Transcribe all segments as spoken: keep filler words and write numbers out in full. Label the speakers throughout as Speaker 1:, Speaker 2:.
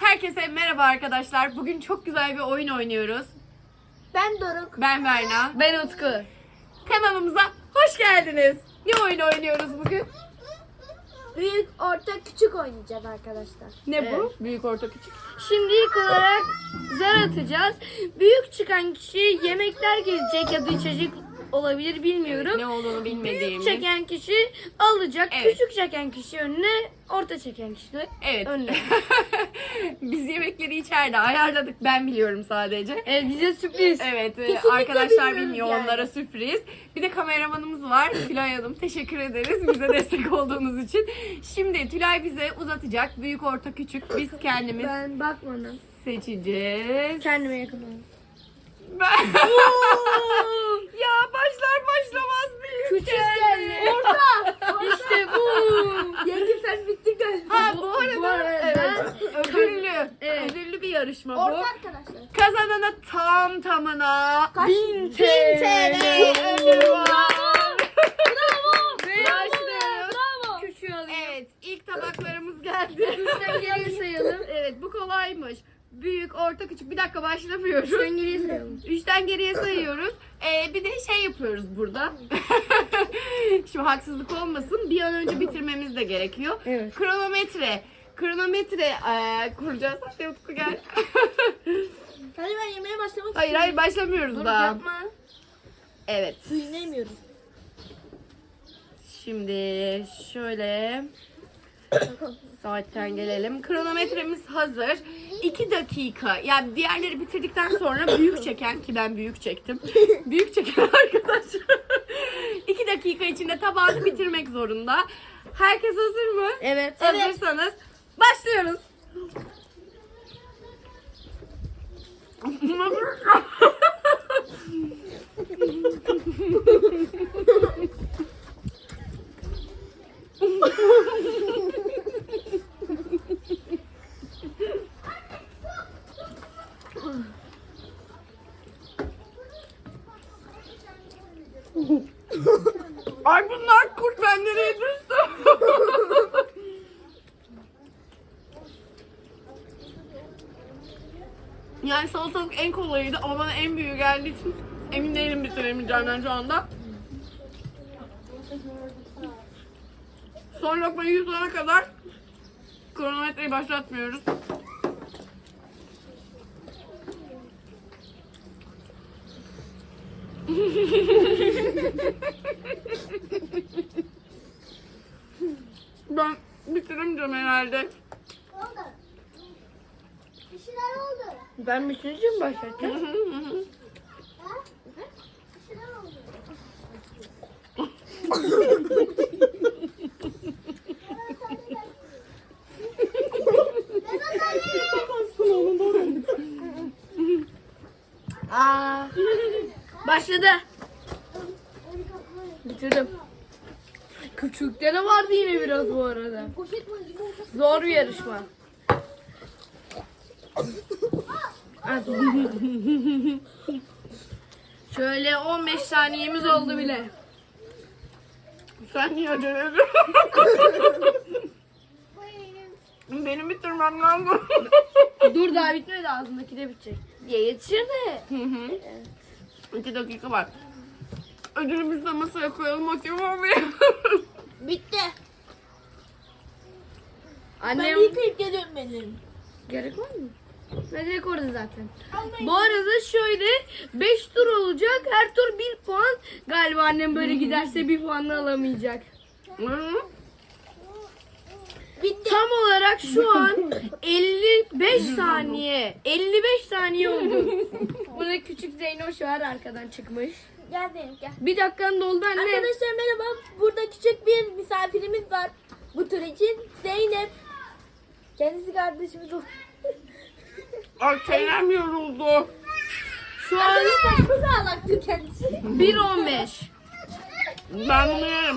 Speaker 1: Herkese merhaba arkadaşlar. Bugün çok güzel bir oyun oynuyoruz.
Speaker 2: Ben Doruk.
Speaker 1: Ben Berna.
Speaker 2: Ben Utku.
Speaker 1: Kanalımıza hoş geldiniz. Ne oyun oynuyoruz bugün?
Speaker 2: Büyük, orta, küçük oynayacağız arkadaşlar.
Speaker 1: Ne bu? Büyük, orta, küçük.
Speaker 3: Şimdi ilk olarak zar atacağız. Büyük çıkan kişi yemekler gelecek ya da içecek olabilir bilmiyorum.
Speaker 1: Ne olduğunu
Speaker 3: Büyük
Speaker 1: bilmediğimiz.
Speaker 3: çeken kişi alacak.
Speaker 1: Evet.
Speaker 3: Küçük çeken kişi önüne, orta çeken kişi de
Speaker 1: Evet.
Speaker 3: önüne.
Speaker 1: Biz yemekleri içeride ayarladık. Ben biliyorum sadece.
Speaker 3: Evet, bize sürpriz.
Speaker 1: Evet, e,
Speaker 2: Kesinlikle
Speaker 1: arkadaşlar
Speaker 2: bilmiyoruz
Speaker 1: bilmiyor,
Speaker 2: yani.
Speaker 1: onlara sürpriz. Bir de kameramanımız var, Tülay Hanım. Teşekkür ederiz bize destek olduğunuz için. Şimdi Tülay bize uzatacak. Büyük, orta, küçük. Biz kendimiz
Speaker 3: Ben bakmadım.
Speaker 1: seçeceğiz.
Speaker 3: Kendime yakın olayım.
Speaker 1: Ben... ya başlar başlamaz büyük
Speaker 3: Küçük
Speaker 1: geldi.
Speaker 3: geldi. Orta. İşte bu.
Speaker 2: Yenge sen bittin galiba.
Speaker 1: Ha bu arada,
Speaker 3: Bu arada
Speaker 1: evet, ödüllü,
Speaker 3: Evet.
Speaker 1: ödüllü bir yarışma bu.
Speaker 2: Orta arkadaşlar.
Speaker 1: Kazanana tam tamına
Speaker 2: Kaç?
Speaker 1: bin
Speaker 2: T L
Speaker 1: ödül var.
Speaker 3: Bravo.
Speaker 1: Başlıyoruz.
Speaker 3: Bravo. Küçüğü alayım.
Speaker 1: Evet, ilk tabaklarımız geldi.
Speaker 3: Üçten geriye sayalım.
Speaker 1: Evet, bu kolaymış. Büyük, orta, küçük. Bir dakika başlamıyoruz.
Speaker 3: Üçten geriye sayalım.
Speaker 1: Üçten geriye sayıyoruz. Ee, bir de şey yapıyoruz burada. Şu haksızlık olmasın. Bir an önce bitirmemiz de gerekiyor.
Speaker 3: Evet.
Speaker 1: Kronometre. Kronometre ee, kuracağız. Hadi Utku gel.
Speaker 2: Hadi ben yemeğe başlamak
Speaker 1: hayır hayır başlamıyoruz
Speaker 3: Dur
Speaker 1: daha.
Speaker 3: yapma.
Speaker 1: Evet.
Speaker 2: Dinlemiyorum.
Speaker 1: Şimdi şöyle saatten gelelim. Kronometremiz hazır. iki dakika. Yani diğerleri bitirdikten sonra büyük çeken, ki ben büyük çektim. Büyük çeken arkadaş iki dakika içinde tabağını bitirmek zorunda. Herkes hazır mı?
Speaker 3: Evet.
Speaker 1: Hazırsanız başlıyoruz. Ay bunlar kurt, ben nereye düştüm? Yani salatalık en kolayıydı ama bana en büyüğü geldiği için emin değilim bitiremeyeceğimden şu anda. Son lokmayı yutana kadar kronometreyi başlatmıyoruz. Ben bitiremeyeceğim herhalde.
Speaker 2: Oldu. Bir şeyler oldu.
Speaker 3: Ben bitince mi başlatacağım?
Speaker 2: Ha? Bir şeyler oldu.
Speaker 3: Aa. Başladı. Bitirdim. Küçükte de vardı yine biraz bu arada.
Speaker 2: Poşet mi?
Speaker 3: Zor bir yarışma. Hadi. Şöyle on beş saniyemiz oldu bile.
Speaker 1: Sen niye acele ediyorsun? Benim bitirmem lazım.
Speaker 3: Dur daha bitmedi, ağzındaki de bitecek. Diye yetişir de.
Speaker 1: Hı hı. İki dakika var. Ödülümüzü de masaya koyalım, motive olmayalım.
Speaker 2: Bitti. Ben
Speaker 3: Annem
Speaker 2: bir yıkayıp geliyorum benim.
Speaker 3: gerek var mı? Ne gerek orada zaten. Bu arada şöyle beş tur olacak. Her tur bir puan. Galiba annem böyle giderse bir puanla alamayacak.
Speaker 1: Hı?
Speaker 2: Bitti.
Speaker 3: Tam olarak şu an elli beş saniye. elli beş saniye oldu. Burada küçük Zeynoş var, arkadan çıkmış.
Speaker 2: Gel Zeynep gel.
Speaker 3: Bir dakikan doldu anne.
Speaker 2: Arkadaşlar merhaba. Burada küçük bir misafirimiz var. Bu tur için Zeynep. Kendisi kardeşimiz oldu.
Speaker 1: Ay çenem yoruldu.
Speaker 3: Şu an
Speaker 2: Arkadaşlar çok ağlaktı kendisi.
Speaker 3: bir on beş.
Speaker 1: Ben bunu yerim.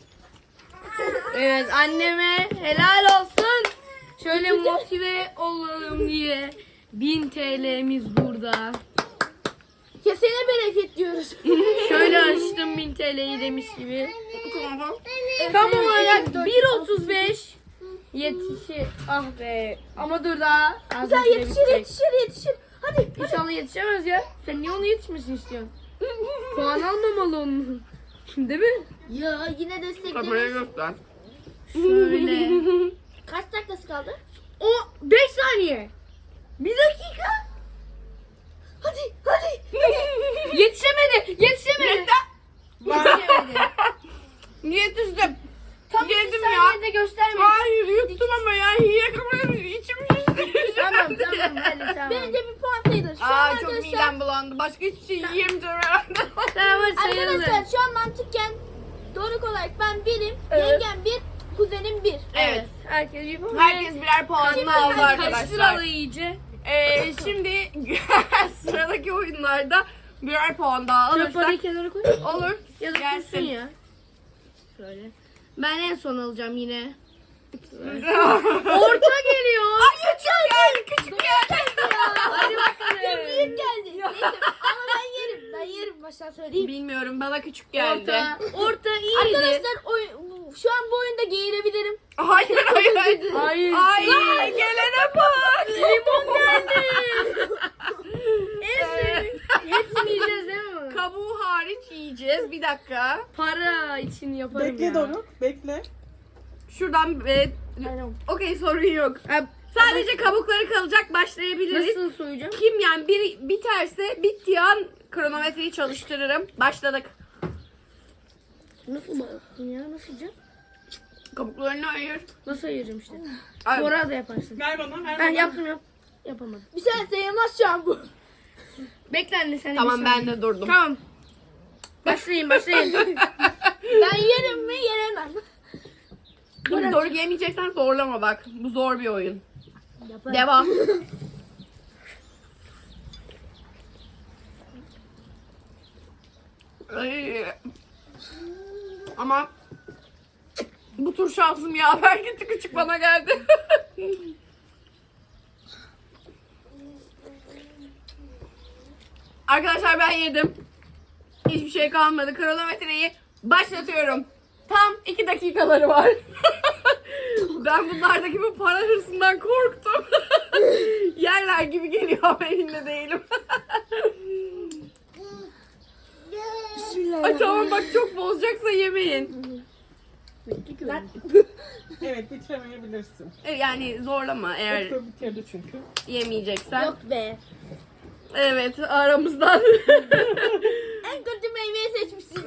Speaker 3: Evet, anneme helal olsun. Şöyle motive olalım diye. bin T L'miz burada.
Speaker 2: Kesene bereket diyoruz.
Speaker 3: Şöyle açtım bin T L'yi demiş gibi.
Speaker 1: Tamam.
Speaker 3: Tam olarak bir otuz beş. Yetişir. Ah be. Ama dur daha. Az
Speaker 2: Sen
Speaker 3: önce
Speaker 2: yetişir
Speaker 3: bitecek.
Speaker 2: yetişir yetişir. Hadi.
Speaker 3: İnşallah yetişemez ya. Sen niye onu yetişmesini istiyorsun? Puan almamalı onun. Değil mi?
Speaker 2: Ya yine
Speaker 1: Kamerayı
Speaker 2: destekleriz.
Speaker 1: göster.
Speaker 3: Şöyle.
Speaker 2: Kaç dakikası kaldı?
Speaker 3: O beş saniye. Bir dakika.
Speaker 2: Hadi hadi.
Speaker 3: Yetişemedi. Yetişemedi. Yetişemedi.
Speaker 1: Yetiştim.
Speaker 3: Tam bir
Speaker 1: Yedim ya.
Speaker 3: saniyede göstermedi.
Speaker 1: Hayır yuttum ama ya. Hile kamerayı içim şişti.
Speaker 3: Tamam tamam hadi tamam.
Speaker 2: Bence bir puan sayılır. Şu an
Speaker 1: Aa çok
Speaker 2: arkadaşlar.
Speaker 1: midem bulandı. Başka hiçbir şey yiyemeyeceğim herhalde.
Speaker 3: Tamam hadi sayılır.
Speaker 2: Arkadaşlar şu an mantıken Doruk olarak ben birim,
Speaker 3: Evet.
Speaker 2: yengem bir, kuzenim bir.
Speaker 1: Evet.
Speaker 3: Herkes bir puan.
Speaker 1: Herkes birer puanını aldı arkadaşlar.
Speaker 3: Karıştıralım iyice.
Speaker 1: Ee, şimdi sıradaki oyunlarda birer puan daha
Speaker 3: Şöyle
Speaker 1: alırsak
Speaker 3: parayı kenara koy.
Speaker 1: olur.
Speaker 3: Ya da
Speaker 1: Gelsin.
Speaker 3: kursun ya. Şöyle. Ben en son alacağım yine. Orta geliyor.
Speaker 1: Ay küçük geldi, küçük geldi.
Speaker 3: Hadi bakalım.
Speaker 2: Büyük geldi. Neyse, ama ben yerim. Ben yerim baştan söyleyeyim.
Speaker 1: Bilmiyorum bana küçük geldi.
Speaker 3: Orta. Orta iyiydi.
Speaker 2: Arkadaşlar oy- şu an bu oyunda geğirebilirim.
Speaker 1: Hayır hayır.
Speaker 3: Hayır.
Speaker 1: Ay gelene bak.
Speaker 3: Limon geldi. En sevdiğim. Hepsini yiyeceğiz değil mi?
Speaker 1: Kabuğu hariç yiyeceğiz. Bir dakika.
Speaker 3: Para için yaparım
Speaker 4: Bekle
Speaker 3: ya.
Speaker 4: Doruk, bekle.
Speaker 1: Şuradan e, okey sorun yok.
Speaker 3: Ha,
Speaker 1: Sadece kabukları kalacak, başlayabiliriz.
Speaker 3: Nasıl soyacağım?
Speaker 1: Kim yani bir biterse bittiği an kronometreyi çalıştırırım. Başladık.
Speaker 3: Nasıl baktın ya? Nasıl yiyeceğim?
Speaker 1: Kabuklarını ayır.
Speaker 3: Nasıl ayıracağım işte?
Speaker 1: Ay,
Speaker 3: Bora da yaparsın.
Speaker 4: Ver bana, ver
Speaker 3: Ben
Speaker 4: bana.
Speaker 3: yaptım yap. Yapamadım.
Speaker 2: Bir sene sayılmaz şu an bu.
Speaker 3: Bekle anne sen de
Speaker 1: Tamam
Speaker 3: bir
Speaker 1: ben
Speaker 3: saniye.
Speaker 1: de durdum.
Speaker 3: Tamam. Başlayın başlayın.
Speaker 2: Ben yerim mi yeremem.
Speaker 1: Dur doğru yemeyeceksen zorlama bak. Bu zor bir oyun.
Speaker 2: Yaparım.
Speaker 1: Devam. Ay. Ama bu tur şansım yaver gitti, küçük bana geldi. Arkadaşlar ben yedim. Hiçbir şey kalmadı. Kronometreyi başlatıyorum. Tam iki dakikaları var. Ben bunlardaki bu para hırsından korktum. Yerler gibi geliyor ama elimde değilim. Ay tamam bak çok bozacaksa yemeyin.
Speaker 2: Ben...
Speaker 4: Evet, bitiremeyebilirsin.
Speaker 1: E, Yani zorlama eğer
Speaker 4: Doktor bitirdi çünkü.
Speaker 1: yemeyeceksen.
Speaker 2: Yok be.
Speaker 1: Evet aramızdan.
Speaker 2: En kötü meyveyi seçmişsin.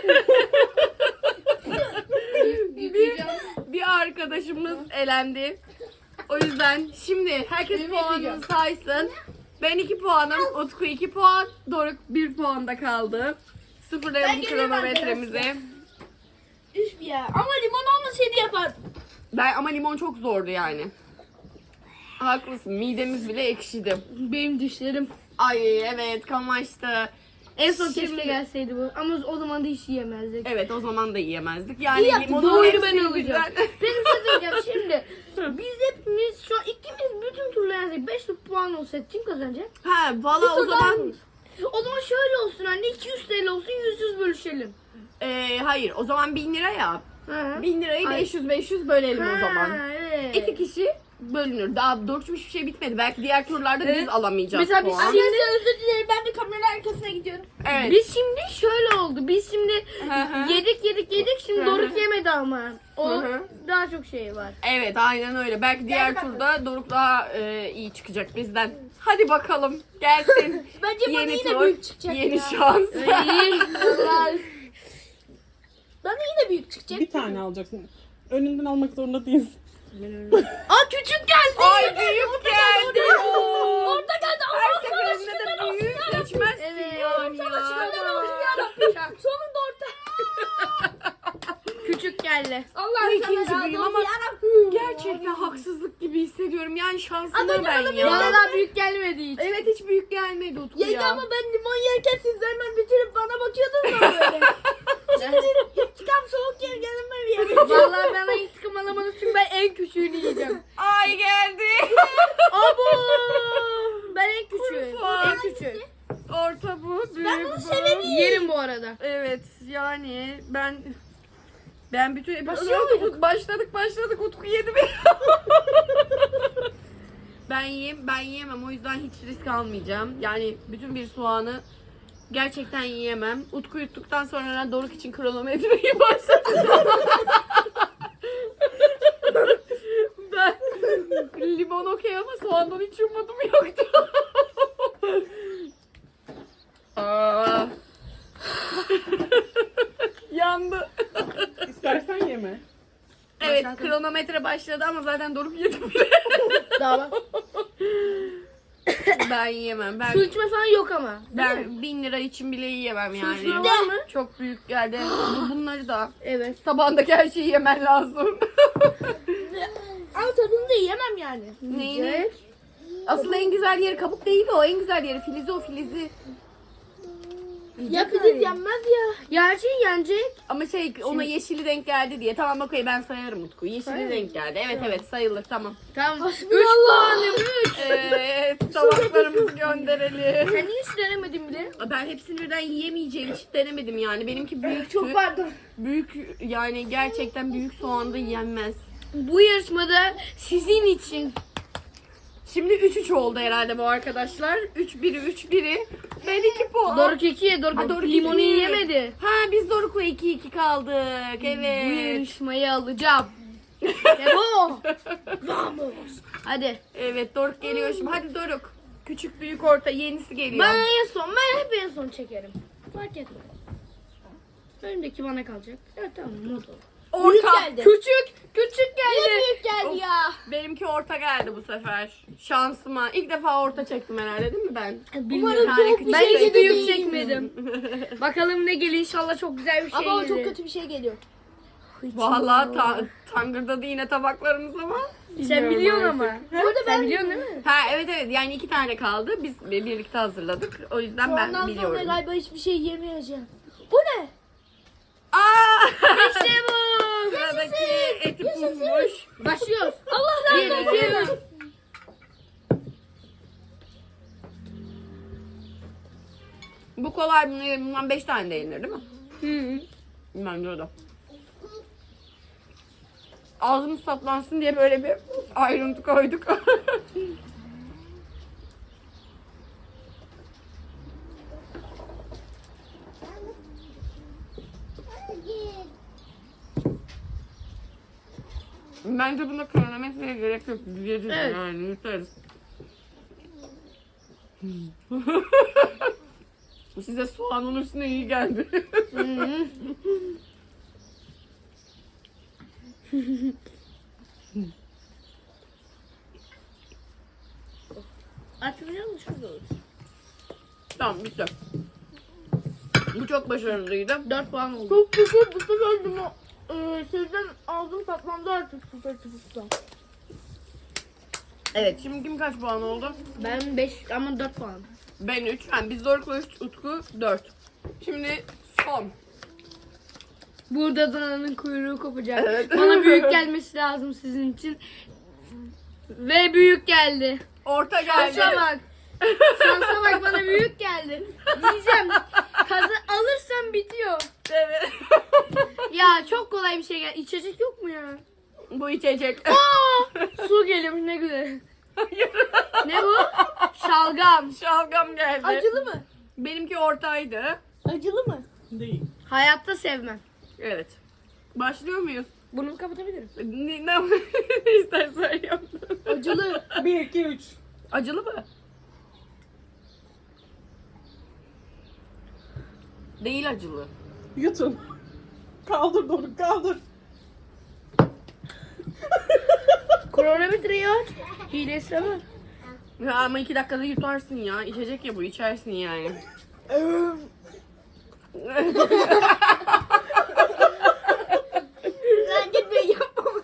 Speaker 1: bir, bir arkadaşımız elendi. O yüzden şimdi herkes puanını saysın. Ben iki puanım, Utku iki puan, Doruk bir puanda kaldı. Sıfırlayalım
Speaker 2: Ben geliyorum
Speaker 1: kronometremizi.
Speaker 2: Üf ya. Ama limon olmasaydı yapar.
Speaker 1: Ben ama limon çok zordu yani. Haklısın, midemiz bile ekşidi.
Speaker 3: Benim dişlerim.
Speaker 1: Ay evet kamaştı.
Speaker 3: En son
Speaker 1: Şimdi-
Speaker 3: keşke gelseydi bu. Ama o zaman da hiç yiyemezdik.
Speaker 1: Evet o zaman da yiyemezdik. Yani
Speaker 2: İyi yaptın,
Speaker 1: limonun
Speaker 3: bu oyunu ben
Speaker 1: hepsini
Speaker 3: alacağım.
Speaker 1: birden-
Speaker 3: Benim size diyeceğim şimdi. Biz hepimiz şu an ikimiz bütün turları yendik. beş puan olsa kim kazanacak?
Speaker 1: Ha valla o
Speaker 3: Bir tur daha
Speaker 1: zaman
Speaker 3: mıyız? O zaman şöyle olsun anne iki yüz T L olsun yüz yüz bölüşelim.
Speaker 1: e, hayır o zaman bin lira ya.
Speaker 3: Ha.
Speaker 1: Bin lirayı
Speaker 3: Ay.
Speaker 1: beş yüz beş yüz bölelim o zaman.
Speaker 3: Ha, evet.
Speaker 1: İki kişi bölünür. Daha doğru hiçbir şey bitmedi. Belki diğer turlarda biz
Speaker 3: Evet.
Speaker 1: alamayacağız
Speaker 3: Mesela biz
Speaker 1: puan.
Speaker 3: şimdi-
Speaker 2: Arkadaşlar özür dilerim. Ben bir kamera arkasına gidiyorum.
Speaker 1: Evet.
Speaker 3: Biz şimdi şöyle oldu. Biz şimdi
Speaker 1: Hı hı.
Speaker 3: yedik yedik yedik şimdi
Speaker 1: Hı hı.
Speaker 3: Doruk yemedi ama. O
Speaker 1: Hı hı.
Speaker 3: daha çok şey var.
Speaker 1: Evet aynen öyle. Belki diğer
Speaker 2: bakalım.
Speaker 1: turda Doruk daha e, iyi çıkacak bizden. Hadi bakalım gelsin.
Speaker 2: Bence bana
Speaker 1: Yeni
Speaker 2: yine
Speaker 1: tur,
Speaker 2: büyük çıkacak
Speaker 1: yeni
Speaker 2: ya.
Speaker 1: şans.
Speaker 2: Vallahi. Bana yine büyük çıkacak.
Speaker 4: Bir tane alacaksın. Önünden almak zorunda değilsin.
Speaker 3: Aa küçük geldi.
Speaker 1: Ay büyük geldi.
Speaker 2: Orada geldi.
Speaker 1: Her
Speaker 2: Allah
Speaker 1: seferinde
Speaker 2: sana
Speaker 1: de büyük seçmezsin
Speaker 3: Evet.
Speaker 1: yani
Speaker 2: Sana
Speaker 1: ya.
Speaker 2: şükürler olsun yarabbim. Sonunda orta.
Speaker 3: Küçük geldi.
Speaker 2: Allah
Speaker 1: Bu
Speaker 2: sana
Speaker 1: ikinci
Speaker 2: razı
Speaker 1: büyüğüm
Speaker 2: olsun
Speaker 1: ama
Speaker 2: yarabbim.
Speaker 1: gerçekten haksızlık gibi hissediyorum. Yani şansıma
Speaker 2: Az önce
Speaker 1: ben
Speaker 2: bana
Speaker 1: ya.
Speaker 2: bir-
Speaker 3: Bana daha büyük gelmedi hiç.
Speaker 1: Evet hiç büyük gelmedi Utku
Speaker 2: Yenge
Speaker 1: ya.
Speaker 2: ama ben limon yerken siz de hemen bitirip bana bakıyordunuz mu böyle? Şimdi intikam soğuk yer gelme bir yere.
Speaker 3: Vallahi bana intikam alamadım çünkü ben en küçüğünü yiyeceğim.
Speaker 1: Ay geldi.
Speaker 3: Abo! Ben en küçüğüm.
Speaker 1: Kurban.
Speaker 3: En küçüğüm.
Speaker 1: Orta bu, büyük
Speaker 2: Ben bunu
Speaker 1: bu.
Speaker 2: severim.
Speaker 3: Yerim bu arada.
Speaker 1: Evet yani ben ben bütün
Speaker 2: Başlıyor
Speaker 1: Utku, başladık başladık Utku yedi beni. ben yiyeyim, ben yiyemem. O yüzden hiç risk almayacağım. Yani bütün bir soğanı gerçekten yiyemem. Utku yuttuktan sonra Doruk için kronometreyi başlatacağım. Ben limon okey ama soğandan hiç umudum yoktu. Aa. Yandı.
Speaker 4: İstersen yeme.
Speaker 1: Evet,
Speaker 3: Başlattım.
Speaker 1: kronometre başladı ama zaten Doruk yedi bile.
Speaker 2: Daha bak.
Speaker 1: Ben yiyemem. Ben
Speaker 3: Su içme falan yok ama. Değil mi?
Speaker 1: ben bin lira için bile yiyemem yani.
Speaker 3: içme var mı?
Speaker 1: Çok büyük geldi. Bu- Bunları da.
Speaker 3: Evet.
Speaker 1: Tabağındaki her şeyi yemen lazım.
Speaker 2: Ama tadını da yiyemem yani.
Speaker 1: Neyini?
Speaker 3: Evet.
Speaker 1: Asıl en güzel yeri kabuk değil o. En güzel yeri filizi o filizi.
Speaker 2: Ya pidez yenmez ya.
Speaker 3: Gerçi yenecek.
Speaker 1: Ama şey ona yeşili denk geldi diye. Tamam okey ben sayarım Utku. Yeşili denk geldi. Evet evet sayılır tamam.
Speaker 3: Tamam. Üç
Speaker 2: Hasbinallah.
Speaker 3: puanım. Üç.
Speaker 1: Evet tabaklarımızı gönderelim.
Speaker 3: Sen niye hiç denemedin bile?
Speaker 1: Ben hepsini birden yiyemeyeceğim hiç denemedim yani. Benimki büyük.
Speaker 2: Çok pardon.
Speaker 1: Büyük yani gerçekten büyük soğanda yenmez.
Speaker 3: Bu yarışmada sizin için.
Speaker 1: Şimdi üç üç oldu herhalde bu arkadaşlar. üç biri üç biri. Ben iki puan.
Speaker 3: Doruk ikiye Doruk,
Speaker 1: Ha, Doruk
Speaker 3: limonu
Speaker 1: iki.
Speaker 3: yiyemedi.
Speaker 1: Ha biz Doruk'la iki iki kaldık.
Speaker 3: Bu
Speaker 1: Evet.
Speaker 3: yarışmayı alacağım. Devo. Vamos. Hadi.
Speaker 1: Evet Doruk geliyor şimdi. Hadi Doruk. Küçük büyük orta yenisi geliyor.
Speaker 3: Ben en son, ben hep en son çekerim. Fark etmez. Önümdeki bana kalacak. Evet tamam, mod ol.
Speaker 2: Büyük
Speaker 1: Orta.
Speaker 2: geldi.
Speaker 3: Küçük, küçük
Speaker 2: Niye
Speaker 3: geldi.
Speaker 2: büyük geldi ya?
Speaker 1: Benimki orta geldi bu sefer. Şansıma. İlk defa orta çektim herhalde değil mi ben?
Speaker 3: Bilmiyorum.
Speaker 2: Umarım
Speaker 1: Yani
Speaker 2: çok
Speaker 1: küçük
Speaker 2: bir
Speaker 3: Ben
Speaker 2: şey
Speaker 3: hiç
Speaker 2: gelir
Speaker 3: büyük
Speaker 2: değil.
Speaker 3: çekmedim. Bakalım ne geliyor, inşallah çok güzel bir şey
Speaker 2: Ama o
Speaker 3: gelir.
Speaker 2: çok kötü bir şey geliyor.
Speaker 1: Vallahi ta tangırdadı yine tabaklarımız ama.
Speaker 3: Sen
Speaker 1: Bilmiyorum
Speaker 3: biliyorsun
Speaker 1: artık.
Speaker 3: ama.
Speaker 2: Burada
Speaker 3: Sen
Speaker 2: ben
Speaker 3: biliyorsun değil mi?
Speaker 1: Ha evet evet yani iki tane kaldı. Biz birlikte hazırladık. O yüzden
Speaker 2: şu
Speaker 1: ben
Speaker 2: andan sonra
Speaker 1: biliyorum.
Speaker 2: galiba hiçbir şey yemeyeceğim. Bu ne?
Speaker 1: Aa!
Speaker 3: İşte bu.
Speaker 1: Sıradaki eti pufmuş.
Speaker 3: Başlıyoruz.
Speaker 2: Allah
Speaker 3: Bir,
Speaker 2: razı
Speaker 3: iki,
Speaker 2: olsun.
Speaker 3: üç.
Speaker 1: Bu kolay bunun bundan beş tane de yenir değil mi?
Speaker 3: Hı.
Speaker 1: Bence de. Ağzımız saplansın diye böyle bir ayrıntı koyduk. Bence buna kronometreye gerek yok. Yeriz
Speaker 3: Evet.
Speaker 1: yani yutarız. Size soğanın üstüne iyi geldi.
Speaker 3: Hı. Açmayacak mısın? Şurada olur.
Speaker 1: Tamam bitti. Bu çok başarılıydı.
Speaker 3: Dört puan oldu.
Speaker 2: Çok güzel bu sefer bunu e, sizden aldım tatmamda artık süper tıpıkta.
Speaker 1: Evet şimdi kim kaç puan oldu?
Speaker 3: Ben beş ama dört puan.
Speaker 1: Ben üç. Yani biz Doruk'la üç, Utku dört. Şimdi son.
Speaker 3: Burada dananın kuyruğu kopacak.
Speaker 1: Evet.
Speaker 3: Bana büyük gelmesi lazım sizin için. Ve büyük geldi.
Speaker 1: Orta geldi.
Speaker 3: Şansa bak. Şansa bak, bana büyük geldi. Diyeceğim. Kazı alırsam bitiyor.
Speaker 1: Evet.
Speaker 3: Ya çok kolay bir şey geldi. İçecek yok mu ya?
Speaker 1: Bu içecek.
Speaker 3: Aa, su geliyormuş, ne güzel. Ne bu? Şalgam.
Speaker 1: Şalgam geldi.
Speaker 2: Acılı mı?
Speaker 1: Benimki ortaydı.
Speaker 2: Acılı mı?
Speaker 4: Değil.
Speaker 3: Hayatta sevmem.
Speaker 1: Evet. Başlıyor muyuz?
Speaker 3: Bunu kapatabilirim.
Speaker 1: Ne, ne, ne istersen yap.
Speaker 2: Acılı.
Speaker 4: Bir, iki, üç.
Speaker 1: Acılı mı? Değil acılı.
Speaker 4: Yutun. Kaldır Doruk, kaldır.
Speaker 3: Kronometreyi aç. Hile istemem.
Speaker 1: Ya ama iki dakikada yutarsın ya. İçecek ya bu içersin yani.
Speaker 2: Ben gitmeyi yapmam.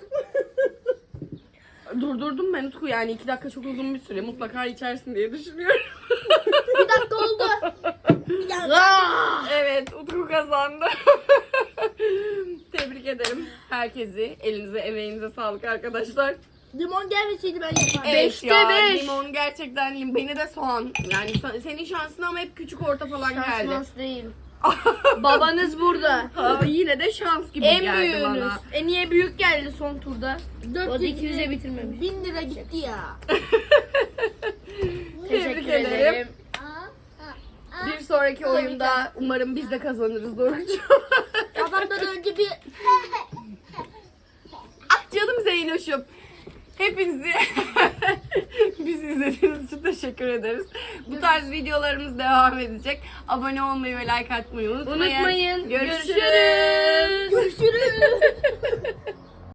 Speaker 1: Durdurdum ben Utku yani iki dakika çok uzun bir süre. Mutlaka içersin diye düşünüyorum.
Speaker 2: Bir dakika oldu. Bir dakika.
Speaker 3: Aa!
Speaker 1: Evet Utku kazandı. Tebrik ederim herkesi. Elinize emeğinize sağlık arkadaşlar.
Speaker 2: Limon gelmeseydi ben yapardım.
Speaker 1: Evet
Speaker 3: Beşte
Speaker 1: ya
Speaker 3: beş.
Speaker 1: limon gerçekten lim. Beni de soğan. Yani sa- senin şansın ama hep küçük orta falan geldi.
Speaker 3: Şans değil. Babanız burada.
Speaker 1: Ama yine de şans gibi
Speaker 3: En
Speaker 1: geldi
Speaker 3: büyüğünüz.
Speaker 1: bana.
Speaker 3: En iyi büyük geldi son turda. O
Speaker 2: Dört
Speaker 3: da
Speaker 2: yüz
Speaker 3: ikimize bitirmemiş.
Speaker 2: Bin lira gitti ya.
Speaker 1: diyelim. Bir sonraki oyunda umarım biz de kazanırız Doruk'cum.
Speaker 2: Babamdan önce bir
Speaker 1: Ah canım Zeynoş'um. Hepinizi bizi izlediğiniz için teşekkür ederiz. Bu tarz videolarımız devam edecek. Abone olmayı ve like atmayı unutmayın.
Speaker 3: Unutmayın.
Speaker 1: Görüşürüz.
Speaker 3: Görüşürüz.
Speaker 2: görüşürüz.